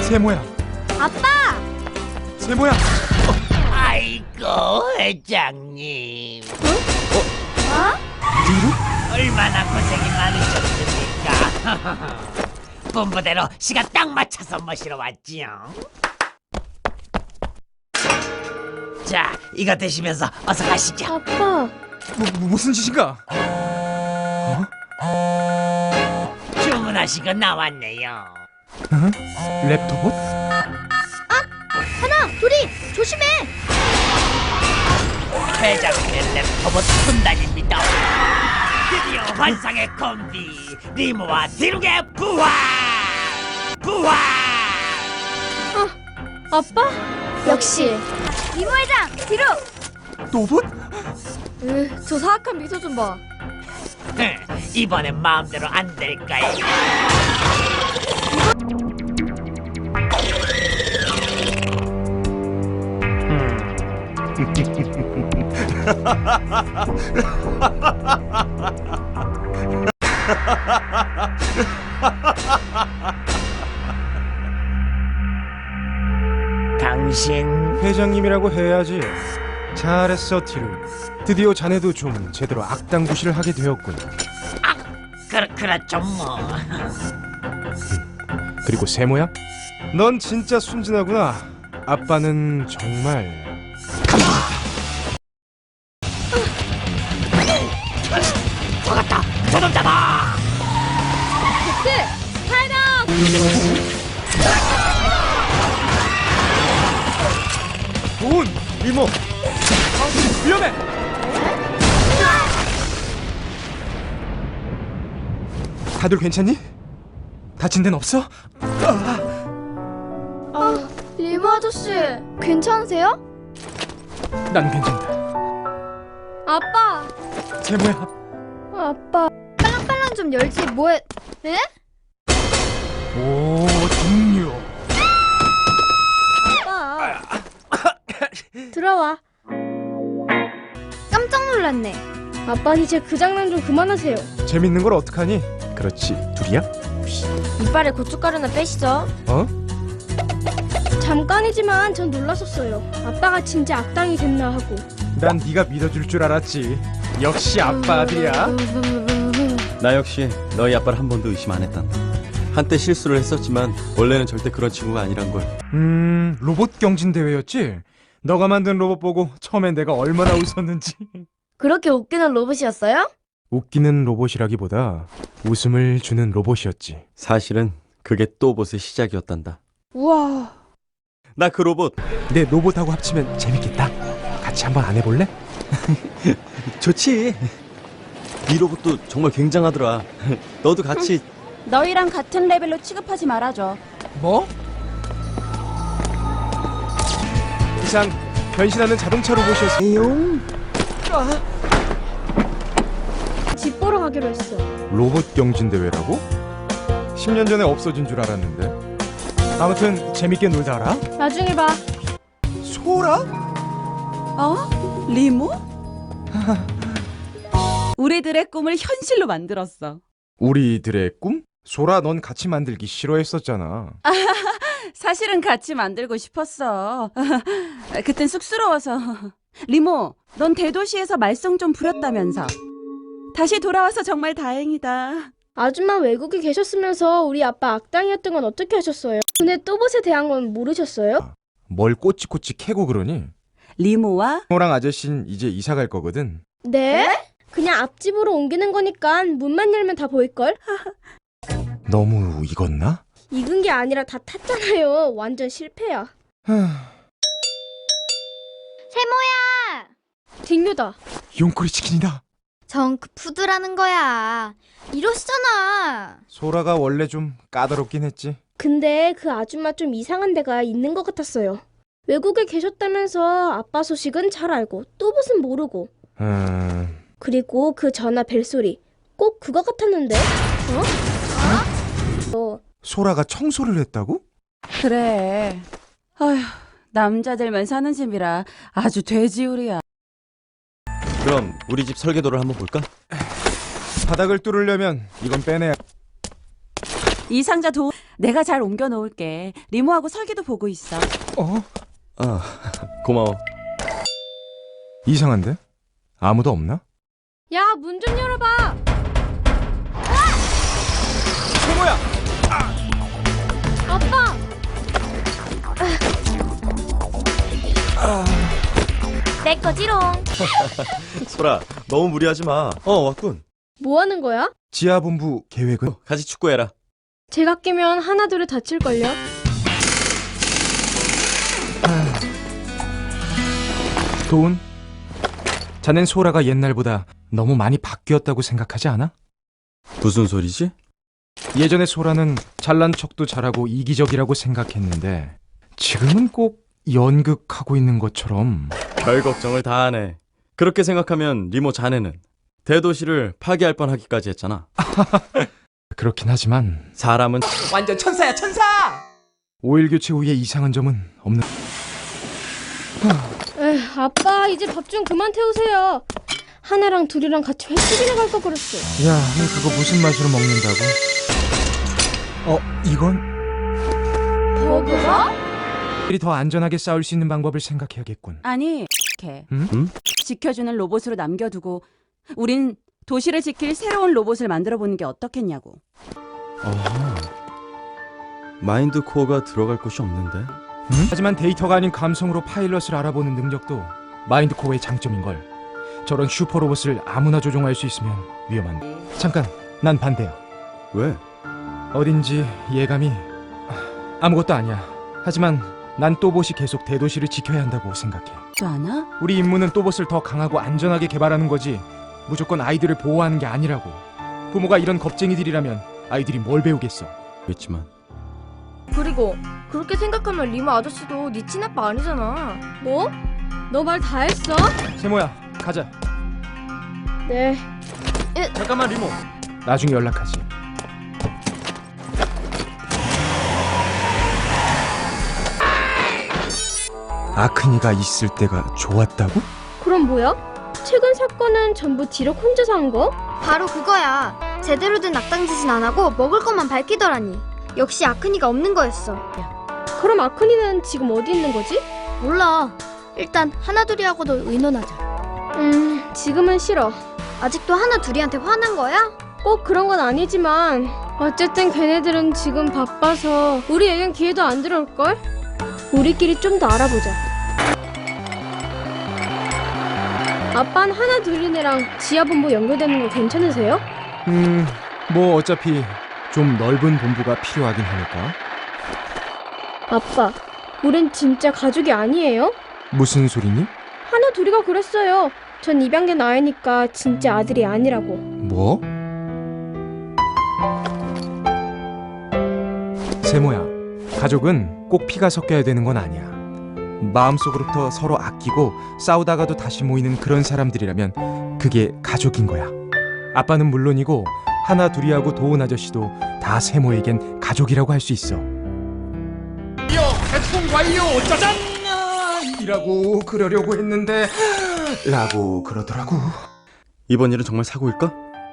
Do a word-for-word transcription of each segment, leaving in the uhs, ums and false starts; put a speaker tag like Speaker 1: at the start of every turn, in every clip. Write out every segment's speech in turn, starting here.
Speaker 1: 세모야.
Speaker 2: 아빠!
Speaker 1: 세모야. 어.
Speaker 3: 아이고 회장님.
Speaker 2: 어? 어?
Speaker 1: 뒤로?
Speaker 3: 얼마나 고생이 많으셨습니까? 본부대로 시간 딱 맞춰서 모시러 왔지요. 자, 이거 드시면서 어서 가시죠.
Speaker 2: 아빠!
Speaker 1: 뭐, 무슨 짓인가?
Speaker 3: 주문하신 거 나왔네요.
Speaker 1: 어? 랩토봇?
Speaker 2: 아! 하나! 둘이! 조심해!
Speaker 3: 회장님의 랩터봇 군단입니다. 드디어 환상의 콤비 리모와 디룩의 부활! 부활!
Speaker 2: 어, 아빠? 역시 리모 회장! 뒤로!
Speaker 1: 로봇?
Speaker 2: 으, 저 사악한 미소 좀 봐.
Speaker 3: 이번엔 마음대로 안 될까요? 당신
Speaker 1: 회장님이라고 해야지. 잘했어, 티루. 드디어 자네도 좀 제대로 악당 구실을 하게 되었군.
Speaker 3: 아, 그, 그렇죠 뭐.
Speaker 1: 그리고 세모야? 넌 진짜 순진하구나. 아빠는 정말...
Speaker 3: 들어갔다! 저놈 잡아!
Speaker 2: 네! 파이더!
Speaker 1: 돈! 리모! 위험해! 다들 괜찮니? 다친 데는 없어?
Speaker 2: 아, 리모 아저씨, 괜찮으세요?
Speaker 1: 난 괜찮다.
Speaker 2: 아빠!
Speaker 1: 세모야.
Speaker 2: 아빠, 빨랑빨랑 좀 열지, 뭐해? 에?
Speaker 1: 오, 동료.
Speaker 2: 아빠. 들어와. 깜짝 놀랐네. 아빠 이제 그 장난 좀 그만하세요.
Speaker 1: 재밌는 걸 어떡하니? 그렇지, 둘이야?
Speaker 2: 이빨에 고춧가루나 빼시죠.
Speaker 1: 어?
Speaker 2: 잠깐이지만 전 놀랐었어요. 아빠가 진짜 악당이 됐나 하고.
Speaker 1: 난 네가 믿어줄 줄 알았지. 역시 아빠 아들이야.
Speaker 4: 나 역시 너희 아빠를 한 번도 의심 안 했단다. 한때 실수를 했었지만 원래는 절대 그런 친구가 아니란 걸.
Speaker 1: 음, 로봇 경진 대회였지? 너가 만든 로봇 보고 처음엔 내가 얼마나 웃었는지.
Speaker 2: 그렇게 웃기는 로봇이었어요?
Speaker 1: 웃기는 로봇이라기보다 웃음을 주는 로봇이었지.
Speaker 4: 사실은 그게 또봇의 시작이었단다.
Speaker 2: 우와.
Speaker 4: 나 그 로봇
Speaker 1: 내 로봇하고 합치면 재밌겠다. 같이 한번 안 해볼래?
Speaker 4: 좋지. 네 로봇도 정말 굉장하더라. 너도 같이.
Speaker 5: 너희랑 같은 레벨로 취급하지 말아줘.
Speaker 1: 뭐? 이상 변신하는 자동차 로봇이었어.
Speaker 2: 집 보러 가기로 했어.
Speaker 1: 로봇 경진 대회라고? 십 년 전에 없어진 줄 알았는데. 아무튼 재밌게 놀다 와라.
Speaker 2: 나중에 봐.
Speaker 1: 소라?
Speaker 5: 어? 리모? 우리들의 꿈을 현실로 만들었어.
Speaker 1: 우리들의 꿈? 소라, 넌 같이 만들기 싫어했었잖아.
Speaker 5: 사실은 같이 만들고 싶었어. 그땐 쑥스러워서. 리모, 넌 대도시에서 말썽 좀 부렸다면서. 다시 돌아와서 정말 다행이다.
Speaker 2: 아줌마 외국에 계셨으면서 우리 아빠 악당이었던 건 어떻게 하셨어요? 근데 또봇에 대한 건 모르셨어요?
Speaker 1: 뭘 꼬치꼬치 캐고 그러니?
Speaker 5: 리모와
Speaker 1: 호랑 아저씨는 이제 이사 갈 거거든.
Speaker 2: 네? 그냥 앞집으로 옮기는 거니까 문만 열면 다 보일걸?
Speaker 1: 너무 익었나?
Speaker 2: 익은 게 아니라 다 탔잖아요. 완전 실패야. 세모야! 딩유다.
Speaker 1: 용꼬리 치킨이다.
Speaker 2: 정크푸드라는 거야. 이러시잖아.
Speaker 1: 소라가 원래 좀 까다롭긴 했지.
Speaker 2: 근데 그 아줌마 좀 이상한 데가 있는 것 같았어요. 외국에 계셨다면서 아빠 소식은 잘 알고 또봇은 모르고.
Speaker 1: 음...
Speaker 2: 그리고 그 전화 벨소리 꼭 그거 같았는데? 어? 어?
Speaker 1: 소라가 청소를 했다고?
Speaker 5: 그래. 아휴, 남자들만 사는 집이라 아주 돼지우리야.
Speaker 4: 그럼 우리 집 설계도를 한번 볼까?
Speaker 1: 바닥을 뚫으려면 이건 빼내야.
Speaker 5: 이 상자 도 내가 잘 옮겨 놓을게. 리모하고 설계도 보고 있어.
Speaker 1: 어?
Speaker 4: 아, 고마워.
Speaker 1: 이상한데? 아무도 없나?
Speaker 2: 야, 문 좀 열어봐.
Speaker 1: 세모야!
Speaker 2: 아빠. 내 거지롱.
Speaker 4: 소라, 너무 무리하지 마. 어, 왔군.
Speaker 2: 뭐 하는 거야?
Speaker 1: 지하본부 계획은?
Speaker 4: 같이 축구해라.
Speaker 2: 제가 깨면 하나 둘을 다칠걸요?
Speaker 1: 도훈? 자넨 소라가 옛날보다 너무 많이 바뀌었다고 생각하지 않아?
Speaker 4: 무슨 소리지?
Speaker 1: 예전에 소라는 잘난 척도 잘하고 이기적이라고 생각했는데 지금은 꼭 연극하고 있는 것처럼.
Speaker 4: 별 걱정을 다 하네. 그렇게 생각하면 리모 자네는 대도시를 파괴할 뻔하기까지 했잖아.
Speaker 1: 그렇긴 하지만
Speaker 4: 사람은
Speaker 3: 완전 천사야 천사.
Speaker 1: 오일 교체 후에 이상한 점은 없는.
Speaker 2: 에휴, 아빠 이제 밥 좀 그만 태우세요. 하나랑 둘이랑 같이 횟집이나 갈 거 그랬어.
Speaker 1: 야, 너 그거 무슨 맛으로 먹는다고? 어, 이건?
Speaker 2: 버그가?
Speaker 1: 우리 더 안전하게 싸울 수 있는 방법을 생각해야겠군.
Speaker 5: 아니, 이렇게
Speaker 1: 응?
Speaker 4: 응?
Speaker 5: 지켜주는 로봇으로 남겨두고 우린 도시를 지킬 새로운 로봇을 만들어 보는 게 어떻겠냐고.
Speaker 4: 어... 마인드 코어가 들어갈 곳이 없는데.
Speaker 1: 응? 하지만 데이터가 아닌 감성으로 파일럿을 알아보는 능력도 마인드 코어의 장점인걸. 저런 슈퍼 로봇을 아무나 조종할 수 있으면 위험한데. 잠깐, 난 반대야.
Speaker 4: 왜?
Speaker 1: 어딘지 예감이 아무것도 아니야. 하지만 난 또봇이 계속 대도시를 지켜야 한다고 생각해.
Speaker 5: 또 하나?
Speaker 1: 우리 임무는 또봇을 더 강하고 안전하게 개발하는 거지 무조건 아이들을 보호하는 게 아니라고. 부모가 이런 겁쟁이들이라면 아이들이 뭘 배우겠어.
Speaker 4: 그렇지만
Speaker 6: 그리고 그렇게 생각하면 리모 아저씨도 네 친아빠 아니잖아.
Speaker 2: 뭐? 너 말 다 했어?
Speaker 1: 세모야, 가자.
Speaker 2: 네.
Speaker 1: 잠깐만 리모. 나중에 연락하지. 아크니가 있을 때가 좋았다고?
Speaker 2: 그럼 뭐야? 최근 사건은 전부 디럭 혼자서 한 거?
Speaker 6: 바로 그거야. 제대로 된 악당 짓은 안 하고 먹을 것만 밝히더라니. 역시 아크니가 없는 거였어.
Speaker 2: 그럼 아크니는 지금 어디 있는 거지?
Speaker 6: 몰라. 일단 하나 둘이하고도 의논하자.
Speaker 2: 음, 지금은 싫어.
Speaker 6: 아직도 하나 둘이한테 화난 거야?
Speaker 2: 꼭 그런 건 아니지만 어쨌든 걔네들은 지금 바빠서 우리에겐 기회도 안 들어올걸? 우리끼리 좀 더 알아보자. 아빠는 하나 둘이네랑 지하본부 연결되는 거 괜찮으세요?
Speaker 1: 음, 뭐 어차피 좀 넓은 본부가 필요하긴 하니까.
Speaker 2: 아빠, 우린 진짜 가족이 아니에요?
Speaker 1: 무슨 소리니?
Speaker 2: 하나 둘이가 그랬어요. 전 입양된 아이니까 진짜 아들이 아니라고.
Speaker 1: 뭐? 세모야, 가족은 꼭 피가 섞여야 되는 건 아니야. 마음속으로부터 서로 아끼고 싸우다가도 다시 모이는 그런 사람들이라면 그게 가족인 거야. 아빠는 물론이고 하나 둘이하고 도훈 아저씨도 다 세모에겐 가족이라고 할 수 있어.
Speaker 3: 대충 완료 짜잔.
Speaker 1: 이라고 그러려고 했는데 라고 그러더라고.
Speaker 4: 이번 일은 정말 사고일까?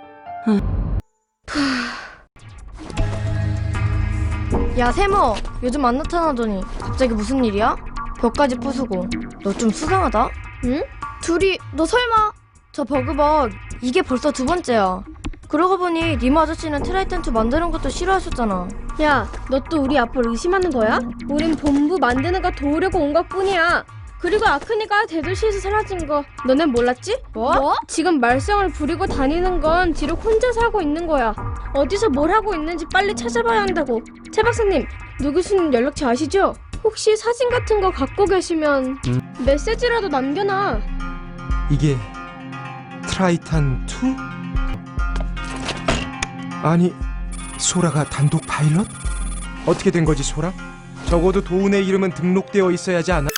Speaker 6: 야 세모, 요즘 안 나타나더니 갑자기 무슨 일이야? 벽까지 부수고. 너 좀 수상하다.
Speaker 2: 응?
Speaker 6: 둘이 너 설마 저 버그벅 이게 벌써 두 번째야. 그러고 보니 리모 아저씨는 트라이탄 투 만드는 것도 싫어하셨잖아.
Speaker 2: 야, 너 또 우리 아빠를 의심하는 거야? 우린 본부 만드는 거 도우려고 온 것뿐이야. 그리고 아크니가 대도시에서 사라진 거 너넨 몰랐지?
Speaker 6: 뭐?
Speaker 2: 지금 말썽을 부리고 다니는 건 뒤로 혼자서 하고 있는 거야. 어디서 뭘 하고 있는지 빨리 찾아봐야 한다고. 최 박사님, 누 교수님 연락처 아시죠? 혹시 사진 같은 거 갖고 계시면
Speaker 1: 음.
Speaker 2: 메시지라도 남겨놔.
Speaker 1: 이게 트라이탄 투? 아니, 소라가 단독 파일럿? 어떻게 된 거지, 소라? 적어도 도훈의 이름은 등록되어 있어야지 않아?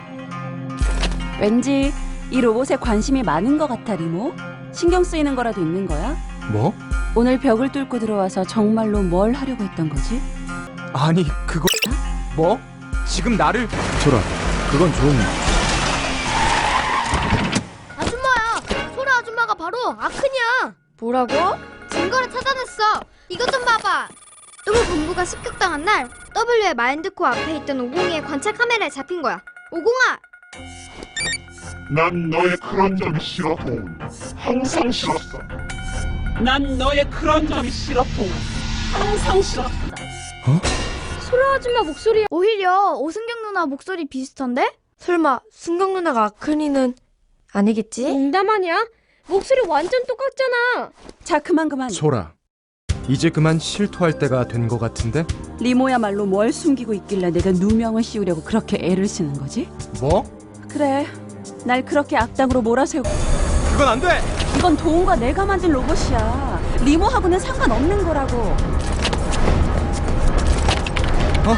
Speaker 5: 왠지 이 로봇에 관심이 많은 것 같아, 리모. 신경 쓰이는 거라도 있는 거야?
Speaker 1: 뭐?
Speaker 5: 오늘 벽을 뚫고 들어와서 정말로 뭘 하려고 했던 거지?
Speaker 1: 아니, 그거... 뭐? 지금 나를...
Speaker 4: 소라, 그건 좀...
Speaker 6: 아줌마야, 소라 아줌마가 바로 아크니야. 뭐라고? 증거를 찾아냈어. 이것 좀 봐봐.
Speaker 7: 스무 본부가 습격당한 날 W의 마인드코 앞에 있던 오공이의 관찰 카메라에 잡힌 거야. 오공아!
Speaker 8: 난 너의 그런 점이 싫어, 돈. 항상 싫었어.
Speaker 3: 난 너의 그런 점이 싫어, 통. 항상 싫어.
Speaker 2: 소라 아줌마 목소리야.
Speaker 6: 오히려 오승경 누나 목소리 비슷한데? 설마 승경 누나가 아크니는 아니겠지?
Speaker 2: 농담 아니야? 목소리 완전 똑같잖아.
Speaker 5: 자, 그만 그만.
Speaker 1: 소라, 이제 그만 실토할 때가 된 것 같은데?
Speaker 5: 리모야말로 뭘 숨기고 있길래 내가 누명을 씌우려고 그렇게 애를 쓰는 거지?
Speaker 1: 뭐?
Speaker 5: 그래, 날 그렇게 악당으로 몰아세우고.
Speaker 1: 그건 안 돼!
Speaker 5: 이건 도훈과 내가 만든 로봇이야. 리모하고는 상관없는 거라고.
Speaker 1: 어?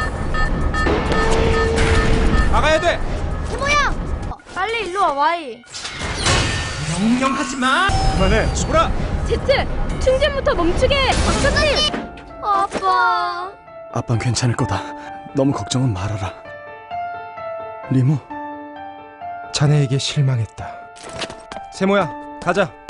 Speaker 1: 나가야 돼!
Speaker 6: 빨리 일로 와, 와이.
Speaker 1: 명령하지 마! 그만해, 소라!
Speaker 2: 제트, 충전부터 멈추게. 박사님.
Speaker 6: 아빠.
Speaker 4: 아빤 괜찮을 거다. 너무 걱정은 말아라. 리모,
Speaker 1: 자네에게 실망했다. 세모야, 가자.